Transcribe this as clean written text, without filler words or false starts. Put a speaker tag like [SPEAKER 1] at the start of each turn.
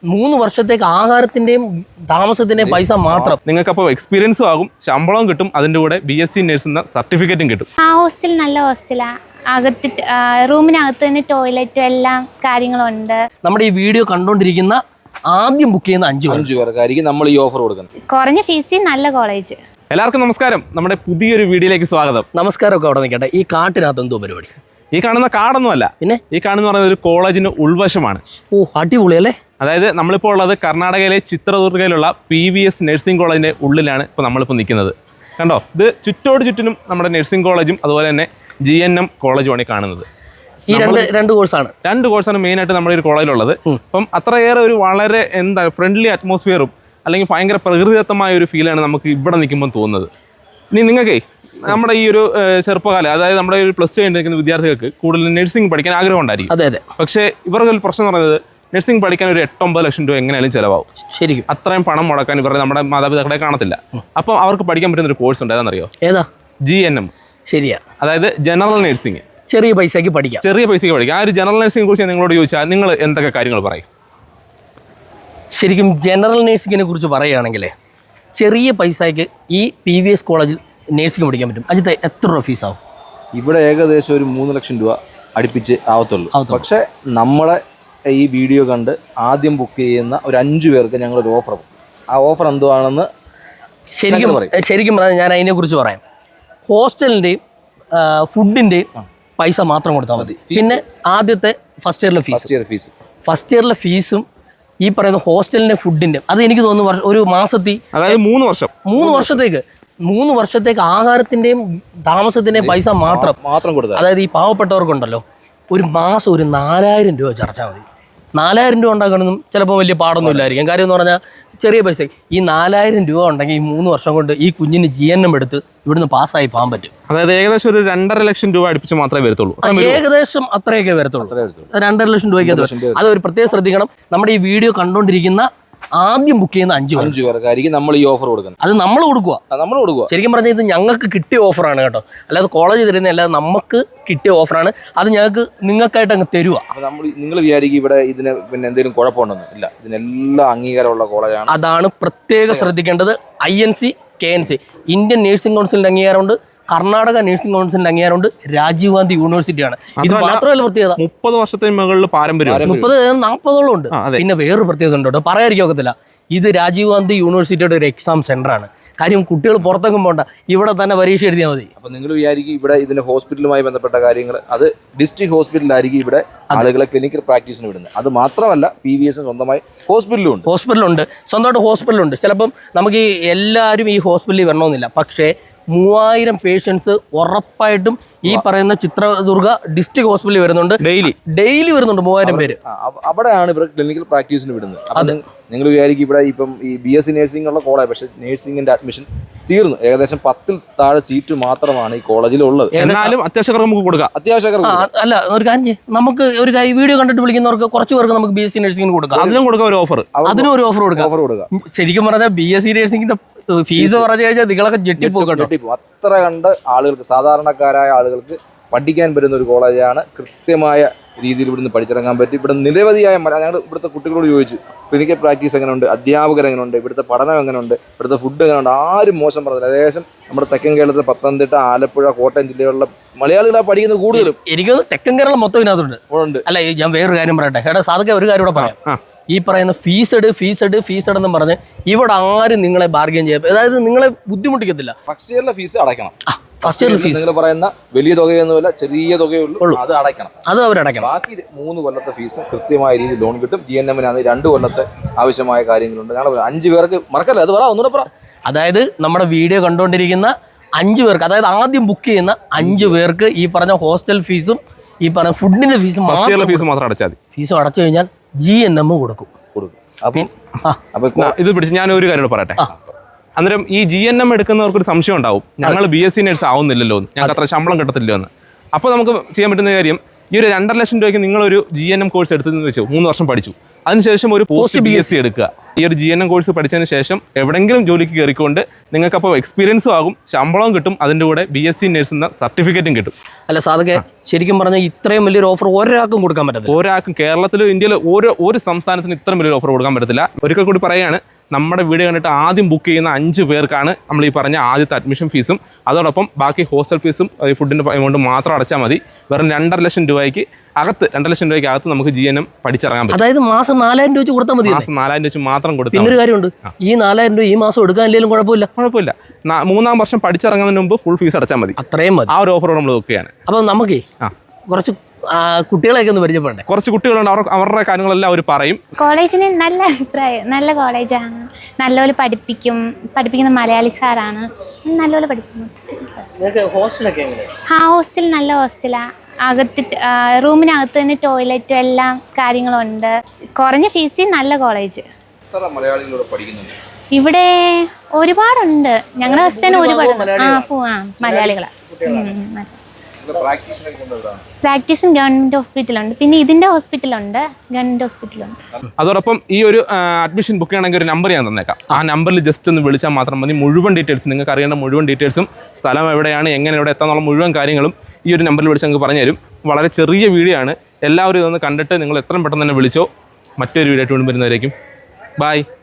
[SPEAKER 1] 3 വർഷത്തേക്ക് ആഹാരത്തിന്റെയും താമസത്തിന്റെയും പൈസ മാത്രം.
[SPEAKER 2] നിങ്ങൾക്ക് അപ്പോൾ എക്സ്പീരിയൻസും ആകും, ശമ്പളവും കിട്ടും, അതിന്റെ കൂടെ BSc നഴ്സ് എന്ന സർട്ടിഫിക്കറ്റും കിട്ടും.
[SPEAKER 3] ആ ഹോസ്റ്റൽ നല്ല ഹോസ്റ്റലാണ്. അകത്ത് റൂമിനകത്ത് തന്നെ ടോയ്ലറ്റും എല്ലാം കാര്യങ്ങളുണ്ട്.
[SPEAKER 1] നമ്മുടെ ഈ വീഡിയോ കണ്ടോണ്ടിരിക്കുന്ന ആദ്യം ബുക്ക് ചെയ്യുന്ന 5
[SPEAKER 4] പേർക്കായിരിക്കും നമ്മൾ ഈ ഓഫർ കൊടുക്കുന്നത്.
[SPEAKER 3] കുറഞ്ഞ ഫീസിൽ നല്ല കോളേജ്.
[SPEAKER 2] എല്ലാവർക്കും നമസ്കാരം, നമ്മുടെ പുതിയൊരു വീഡിയോയിലേക്ക് സ്വാഗതം.
[SPEAKER 1] നമസ്കാരമൊക്കെ അവിടെ നിൽക്കട്ടെ. ഈ കാട്ടിനകത്ത് എന്തോ പരിപാടി?
[SPEAKER 2] ഈ കാണുന്ന കാടൊന്നുമല്ല,
[SPEAKER 1] പിന്നെ
[SPEAKER 2] ഈ കാണുന്ന പറയുന്നത് ഒരു കോളേജിന് ഉൾവശമാണ്.
[SPEAKER 1] ഓ, അടിപൊളി അല്ലേ?
[SPEAKER 2] അതായത് നമ്മളിപ്പോൾ ഉള്ളത് കർണാടകയിലെ ചിത്രദുർഗയിലുള്ള PVS നഴ്സിംഗ് കോളേജിന്റെ ഉള്ളിലാണ് ഇപ്പോൾ നമ്മളിപ്പോൾ നിൽക്കുന്നത്. കണ്ടോ, ഇത് ചുറ്റോട് ചുറ്റിനും നമ്മുടെ നഴ്സിംഗ് കോളേജും അതുപോലെ തന്നെ GNM കോളേജുമാണ് ഈ കാണുന്നത്.
[SPEAKER 1] ഈ രണ്ട് കോഴ്സാണ്.
[SPEAKER 2] 2 കോഴ്സാണ് മെയിനായിട്ട് നമ്മുടെ ഒരു കോളേജിലുള്ളത്. അപ്പം അത്രയേറെ ഒരു വളരെ ഫ്രണ്ട്ലി അറ്റ്മോസ്ഫിയറും അല്ലെങ്കിൽ ഭയങ്കര പ്രകൃതിദത്തമായ ഒരു ഫീലാണ് നമുക്ക് ഇവിടെ നിൽക്കുമ്പോൾ തോന്നുന്നത്. ഇനി നിങ്ങൾക്കേ നമ്മുടെ ഈ ഒരു ചെറുപ്പകാലം, അതായത് നമ്മുടെ ഒരു +2 കഴിഞ്ഞ് നിൽക്കുന്ന വിദ്യാർത്ഥികൾക്ക് കൂടുതൽ നഴ്സിംഗ് പഠിക്കാൻ ആഗ്രഹം ഉണ്ടായിരിക്കും.
[SPEAKER 1] അതെ അതെ.
[SPEAKER 2] പക്ഷേ ഇവർക്ക് ഒരു പ്രശ്നം എന്ന് പറയുന്നത് നഴ്സിംഗ് പഠിക്കാൻ ഒരു 8-9 ലക്ഷം രൂപ എങ്ങനെയാലും ചിലവാകും.
[SPEAKER 1] ശരിക്കും
[SPEAKER 2] അത്രയും പണം മുടക്കാൻ ഇവരുടെ നമ്മുടെ മാതാപിതാക്കളെ കാണത്തില്ല. അപ്പോൾ അവർക്ക് പഠിക്കാൻ പറ്റുന്ന ഒരു കോഴ്സ് ഉണ്ട്, ഏതാണെന്നറിയോ?
[SPEAKER 1] ഏതാ?
[SPEAKER 2] GNM.
[SPEAKER 1] ശരിയാ,
[SPEAKER 2] അതായത് ജനറൽ നഴ്സിംഗ്.
[SPEAKER 1] ചെറിയ പൈസക്ക് പഠിക്കാം.
[SPEAKER 2] ചെറിയ പൈസയ്ക്ക് പഠിക്കാം. ആ ഒരു ജനറൽ നഴ്സിംഗിനെ കുറിച്ച് നിങ്ങളോട് ചോദിച്ചാൽ നിങ്ങൾ എന്തൊക്കെ കാര്യങ്ങൾ പറയും?
[SPEAKER 1] ശരിക്കും ജനറൽ നഴ്സിങ്ങിനെ കുറിച്ച് പറയുകയാണെങ്കിൽ ചെറിയ പൈസയ്ക്ക് ഈ PVS കോളേജിൽ നഴ്സിംഗ് പഠിക്കാൻ പറ്റും. അജിത്ത്, എത്ര രൂപ ഫീസാവും?
[SPEAKER 4] ഇവിടെ ഏകദേശം ഒരു 3 ലക്ഷം രൂപ അടുപ്പിച്ച് ആവത്തുള്ളൂ. പക്ഷേ നമ്മളെ ഈ വീഡിയോ കണ്ട് ആദ്യം ബുക്ക് ചെയ്യുന്ന ഒരു 5 പേർക്ക് ഞങ്ങളൊരു ഓഫർ. ആ ഓഫർ എന്തുവാണെന്ന്
[SPEAKER 1] ശരിക്കും പറഞ്ഞാൽ ഞാൻ അതിനെക്കുറിച്ച് പറയാം. ഹോസ്റ്റലിൻ്റെയും ഫുഡിൻ്റെയും പൈസ മാത്രം കൊടുത്താൽ മതി. പിന്നെ ആദ്യത്തെ ഫസ്റ്റ് ഇയറിലെ ഫീസും ഈ പറയുന്ന ഹോസ്റ്റലിൻ്റെ ഫുഡിൻ്റെ അത് എനിക്ക് തോന്നുന്നു ഒരു മാസത്തിൽ,
[SPEAKER 2] അതായത് 3 വർഷത്തേക്ക്
[SPEAKER 1] 3 വർഷത്തേക്ക് ആഹാരത്തിന്റെയും താമസത്തിന്റെയും പൈസ മാത്രം കൊടുക്കുക. അതായത് ഈ പാവപ്പെട്ടവർക്കുണ്ടല്ലോ, ഒരു മാസം ഒരു 4000 രൂപ ചർച്ചാൽ മതി. 4000 രൂപ ഉണ്ടാക്കണമെന്നും ചിലപ്പോൾ വലിയ പാടൊന്നും ഇല്ലായിരിക്കും. കാര്യം എന്ന് പറഞ്ഞാൽ ചെറിയ പൈസ. ഈ 4000 രൂപ ഉണ്ടെങ്കിൽ ഈ 3 വർഷം കൊണ്ട് ഈ കുഞ്ഞിന് GNM എടുത്ത് ഇവിടുന്ന് പാസ്സായി പോകാൻ പറ്റും.
[SPEAKER 2] അതായത് ഏകദേശം ഒരു 2.5 ലക്ഷം രൂപ അടുപ്പിച്ച് മാത്രമേ വരത്തുള്ളൂ.
[SPEAKER 1] ഏകദേശം അത്രയൊക്കെ വരത്തുള്ളൂ. 2.5 ലക്ഷം രൂപയ്ക്ക്. അത് ഒരു പ്രത്യേകം ശ്രദ്ധിക്കണം. നമ്മുടെ ഈ വീഡിയോ കണ്ടുകൊണ്ടിരിക്കുന്ന ആദ്യം ബുക്ക് ചെയ്യുന്ന 5
[SPEAKER 4] പേർക്കായിരിക്കും നമ്മൾ ഈ ഓഫർ കൊടുക്കുന്നത്.
[SPEAKER 1] അത് നമ്മൾ കൊടുക്കുക. ശരിക്കും പറഞ്ഞാൽ ഇത് ഞങ്ങൾക്ക് കിട്ടിയ ഓഫറാണ് കേട്ടോ, അല്ലാതെ കോളേജ് തരുന്ന, അല്ലാതെ നമുക്ക് കിട്ടിയ ഓഫറാണ്. അത് നിങ്ങൾക്കായിട്ട് അങ്ങ് തരുക.
[SPEAKER 4] നിങ്ങൾ വിചാരിക്കും ഇവിടെ ഇതിന് പിന്നെ എന്തെങ്കിലും കുഴപ്പമുണ്ടെന്ന്? ഇല്ല, ഇതിനെല്ലാം അംഗീകാരമുള്ള കോളേജാണ്.
[SPEAKER 1] അതാണ് പ്രത്യേകം ശ്രദ്ധിക്കേണ്ടത്. INC KNC ഇന്ത്യൻ നഴ്സിംഗ് കൗൺസിലിന്റെ അംഗീകാരമുണ്ട്, കർണാടക നഴ്സിംഗ് കൗൺസിലിന്റെ അംഗീകാരമുണ്ട്, രാജീവ് ഗാന്ധി യൂണിവേഴ്സിറ്റിയാണ്. ഇത് മാത്രമല്ല പ്രത്യേകത,
[SPEAKER 2] 30 വർഷത്തിന് മുകളിൽ പാരമ്പര്യം,
[SPEAKER 1] 40-40ഓളം ഉണ്ട്. പിന്നെ വേറൊരു പ്രത്യേകത ഉണ്ട് കേട്ടോ, പറയാതിരിക്കാൻ ഒക്കത്തില്ല. ഇത് രാജീവ് ഗാന്ധി യൂണിവേഴ്സിറ്റിയുടെ ഒരു എക്സാം സെന്ററാണ്. കാര്യം കുട്ടികൾ പുറത്തേക്കും പോകണ്ട, ഇവിടെ തന്നെ പരീക്ഷ എഴുതിയാൽ മതി.
[SPEAKER 4] അപ്പൊ നിങ്ങൾ വിചാരിക്കും ഇവിടെ ഇതിന് ഹോസ്പിറ്റലുമായി ബന്ധപ്പെട്ട കാര്യങ്ങൾ, അത് ഡിസ്ട്രിക്ട് ഹോസ്പിറ്റലിലായിരിക്കും ഇവിടെ ആളുകളെ ക്ലിനിക്കൽ പ്രാക്ടീസിന് വിടുന്നത്. അത് മാത്രമല്ല PVS സ്വന്തമായി ഹോസ്പിറ്റലുണ്ട്, സ്വന്തമായിട്ട് ഹോസ്പിറ്റലുണ്ട്. ചിലപ്പം നമുക്ക് എല്ലാവരും ഈ ഹോസ്പിറ്റലിൽ വരണമെന്നില്ല, പക്ഷേ 3000 പേഷ്യൻസ് ഉറപ്പായിട്ടും ഈ പറയുന്ന ചിത്രദുർഗ ഡിസ്ട്രിക്ട് ഹോസ്പിറ്റലിൽ വരുന്നുണ്ട്. ഡെയിലി വരുന്നുണ്ട് 3000 പേര്. അവിടെയാണ് ഇവർ ക്ലിനിക്കൽ പ്രാക്ടീസിന് വിടുന്നത്. അത് നിങ്ങൾ വിചാരിക്കും ഇവിടെ ഇപ്പം ഈ BSc നഴ്സിംഗ് ഉള്ള കോളേജ്, പക്ഷേ നഴ്സിംഗിന്റെ അഡ്മിഷൻ തീർന്നു. ഏകദേശം 10 താഴെ സീറ്റ് മാത്രമാണ് ഈ കോളേജിൽ ഉള്ളത്.
[SPEAKER 2] എന്നാലും അത്യാവശ്യം നമുക്ക് കൊടുക്കാം.
[SPEAKER 1] അല്ല, ഒരു കാര്യം നമുക്ക് ഒരു വീഡിയോ കണ്ടിട്ട് വിളിക്കുന്നവർക്ക് കുറച്ച് പേർക്ക് നമുക്ക് BSc നഴ്സിംഗിന് കൊടുക്കാം.
[SPEAKER 2] അതിനും കൊടുക്കാം ഒരു ഓഫർ.
[SPEAKER 1] ഒരു ഓഫർ കൊടുക്കാം. ശരിക്കും പറഞ്ഞാൽ BSc നഴ്സിംഗിന്റെ ഫീസ് പറഞ്ഞു കഴിഞ്ഞാൽ നിങ്ങളൊക്കെ ഞെട്ടിപ്പോക്കട്ടോ.
[SPEAKER 4] അത്ര കണ്ട് ആളുകൾക്ക്, സാധാരണക്കാരായ ആളുകൾക്ക് പഠിക്കാൻ പറ്റുന്ന ഒരു കോളേജാണ്. കൃത്യമായ രീതിയിൽ ഇവിടുന്ന് പഠിച്ചിറങ്ങാൻ പറ്റും. ഇവിടെ നിരവധിയായ ഞങ്ങൾ ഇവിടുത്തെ കുട്ടികളോട് ചോദിച്ചു, ക്ലിനിക്കൽ പ്രാക്ടീസ് എങ്ങനെയുണ്ട്, അധ്യാപകർ എങ്ങനെയുണ്ട്, ഇവിടുത്തെ പഠനം എങ്ങനെയുണ്ട്, ഇവിടുത്തെ ഫുഡ് എങ്ങനെയുണ്ട്. ആരും മോശം പറഞ്ഞില്ല. ഏകദേശം നമ്മുടെ തെക്കൻ കേരളത്തിൽ പത്തനംതിട്ട, ആലപ്പുഴ, കോട്ടയം ജില്ലകളിലെ മലയാളികളാണ് പഠിക്കുന്നത് കൂടുതലും.
[SPEAKER 1] എനിക്ക് തെക്കൻ കേരളം മൊത്തം ഇതിനകത്തുണ്ട്. അല്ല, ഞാൻ വേറൊരു കാര്യം പറയട്ടെ. എടാ സാധക, ഒരു കാര്യം കൂടെ പറയാം. ഈ പറയുന്ന ഫീസ് എന്നും പറഞ്ഞ് ഇവിടെ ആരും നിങ്ങളെ ബാർഗെയിൻ ചെയ്യാം, അതായത് നിങ്ങളെ ബുദ്ധിമുട്ടിക്കത്തില്ല.
[SPEAKER 4] ഫസ്റ്റ് ഇയറിലെ ഫീസ് അടയ്ക്കണം. ഫസ്റ്റ് ഇയർ ഫീസ് നിങ്ങൾ പറയുന്ന വലിയ തുകയൊന്നുമില്ല, ചെറിയ തുകയുള്ളൂ, അത് അടയ്ക്കണം.
[SPEAKER 1] അത് അവരടയ്ക്കണം.
[SPEAKER 4] ബാക്കി 3 കൊല്ലത്തെ ഫീസ് കൃത്യമായ രീതിയിൽ ലോൺ കിട്ടും. GNM-ന് 2 കൊല്ലത്തെ ആവശ്യമായ കാര്യങ്ങളുണ്ട്. ഞങ്ങൾ 5 പേർക്ക് മറക്കല്ലേ, അത് ഒന്നുകൂടെ പറ.
[SPEAKER 1] അതായത് നമ്മുടെ വീഡിയോ കണ്ടുകൊണ്ടിരിക്കുന്ന 5 പേർക്ക്, അതായത് ആദ്യം ബുക്ക് ചെയ്യുന്ന 5 പേർക്ക് ഈ പറഞ്ഞ ഹോസ്റ്റൽ ഫീസും ഈ പറഞ്ഞ ഫുഡിന്റെ ഫീസും
[SPEAKER 2] മാത്രം അടച്ചാൽ മതി.
[SPEAKER 1] ഫീസും അടച്ചു കഴിഞ്ഞാൽ GNM കൊടുക്കും.
[SPEAKER 2] ഇത് പിടിച്ച് ഞാൻ ഒരു കാര്യം പറയട്ടെ. അന്നേരം ഈ GNM എടുക്കുന്നവർക്കൊരു സംശയം ഉണ്ടാവും, ഞങ്ങൾ BSc നഴ്സ് ആവുന്നില്ലല്ലോ, ഞങ്ങൾക്ക് അത്ര ശമ്പളം കിട്ടത്തില്ലോ എന്ന്. അപ്പോൾ നമുക്ക് ചെയ്യാൻ പറ്റുന്ന കാര്യം, ഈ ഒരു 2.5 ലക്ഷം രൂപയ്ക്ക് നിങ്ങളൊരു GNM കോഴ്സ് എടുത്തതെന്ന് വെച്ചു 3 വർഷം പഠിച്ചു, അതിനുശേഷം ഒരു പോസ്റ്റ് BSc എടുക്കുക. ഈ ഒരു GNM കോഴ്സ് പഠിച്ചതിന് ശേഷം എവിടെയെങ്കിലും ജോലിക്ക് കയറിക്കൊണ്ട് നിങ്ങൾക്കപ്പോൾ എക്സ്പീരിയൻസും ആകും, ശമ്പളവും കിട്ടും, അതിൻ്റെ കൂടെ BSc നഴ്സ് എന്ന സർട്ടിഫിക്കറ്റും കിട്ടും.
[SPEAKER 1] അല്ല സാധക്കെ, ശരിക്കും പറഞ്ഞാൽ ഇത്രയും വലിയൊരു ഓഫർ ഒരാൾക്കും കൊടുക്കാൻ പറ്റത്തില്ല.
[SPEAKER 2] ഒരാൾക്കും കേരളത്തിലും ഇന്ത്യയിലും ഒരു സംസ്ഥാനത്തിന് ഇത്രയും വലിയൊരു ഓഫർ കൊടുക്കാൻ പറ്റത്തില്ല. ഒരിക്കൽ കൂടി പറയുകയാണ്, നമ്മുടെ വീഡിയോ കണ്ടിട്ട് ആദ്യം ബുക്ക് ചെയ്യുന്ന 5 പേർക്കാണ് നമ്മൾ ഈ പറഞ്ഞ ആദ്യത്തെ അഡ്മിഷൻ ഫീസും അതോടൊപ്പം ബാക്കി ഹോസ്റ്റൽ ഫീസും ഫുഡിൻ്റെ എമൗണ്ട് മാത്രം അടച്ചാൽ മതി. വെറും 2.5 ലക്ഷം രൂപയ്ക്ക് അകത്ത് 2 ലക്ഷം രൂപയ്ക്ക് അകത്ത് നമുക്ക് GNM പഠിച്ചിറങ്ങാൻ പറ്റും.
[SPEAKER 1] അതായത് മാസം 4000 രൂപ വെച്ച് കൊടുത്താൽ മതി.
[SPEAKER 2] മാസം 4000 വെച്ച് മാത്രം കൊടുത്താൽ.
[SPEAKER 1] പിന്നൊരു കാര്യമുണ്ട്, ഈ 4000 രൂപ ഈ മാസം എടുക്കാനില്ലെങ്കിലും കുഴപ്പമില്ല.
[SPEAKER 2] 3-ാം വർഷം പഠിച്ചിറങ്ങുന്നതിന് മുമ്പ് ഫുൾ ഫീസ് അടച്ചാൽ മതി.
[SPEAKER 1] അത്രയും മതി.
[SPEAKER 2] ആ ഒരു ഓഫറോട് നമ്മൾ നോക്കുകയാണ്.
[SPEAKER 1] അപ്പം നമുക്ക് കുറച്ച് കുട്ടികളെയൊക്കെ ഒന്ന് പരിചയപ്പെടണ്ടേ?
[SPEAKER 2] കുറച്ച് കുട്ടികളുണ്ട്, അവരുടെ കാര്യങ്ങളെല്ലാം അവർ പറയും.
[SPEAKER 3] കോളേജിന് നല്ല അഭിപ്രായം, നല്ല കോളേജാണ്, നല്ലപോലെ പഠിപ്പിക്കുന്ന മലയാളി സാറാണ്, നല്ലപോലെ പഠിപ്പിക്കുന്നു. ഹോസ്റ്റൽ നല്ല ഹോസ്റ്റലാണ്. അകത്ത് റൂമിനകത്ത് തന്നെ ടോയ്ലറ്റും എല്ലാം കാര്യങ്ങളുണ്ട്. കുറഞ്ഞ ഫീസിൽ നല്ല കോളേജ്. ഇവിടെ ഒരുപാടുണ്ട്, ഞങ്ങളുടെ ഹോസ്റ്റലിൽ തന്നെ ഒരുപാട് മലയാളികളാണ്. പ്രാക്ടീസും ഗവൺമെന്റ് ഹോസ്പിറ്റലുണ്ട്, പിന്നെ ഇതിന്റെ ഹോസ്പിറ്റലുണ്ട്, ഗവൺമെന്റ് ഹോസ്പിറ്റലുണ്ട്.
[SPEAKER 2] അതോടൊപ്പം ഈ ഒരു അഡ്മിഷൻ ബുക്ക് ചെയ്യണമെങ്കിൽ ഒരു നമ്പർ ഞാൻ തന്നേക്കാം. ആ നമ്പറിൽ ജസ്റ്റ് ഒന്ന് വിളിച്ചാൽ മാത്രം മതി. മുഴുവൻ ഡീറ്റെയിൽസ്, നിങ്ങൾക്ക് അറിയേണ്ട മുഴുവൻ ഡീറ്റെയിൽസും, സ്ഥലം എവിടെയാണ്, എങ്ങനെ ഇവിടെ എത്താന്നുള്ള മുഴുവൻ കാര്യങ്ങളും ഈ ഒരു നമ്പറിൽ വിളിച്ച് നിങ്ങൾക്ക് പറഞ്ഞു തരും. വളരെ ചെറിയ വീഡിയോ ആണ്, എല്ലാവരും ഇതൊന്ന് കണ്ടിട്ട് നിങ്ങൾ എത്രയും പെട്ടെന്ന് തന്നെ വിളിച്ചോ. മറ്റൊരു വീഡിയോ ആയിട്ട് വരുന്നവരേക്കും ബൈ.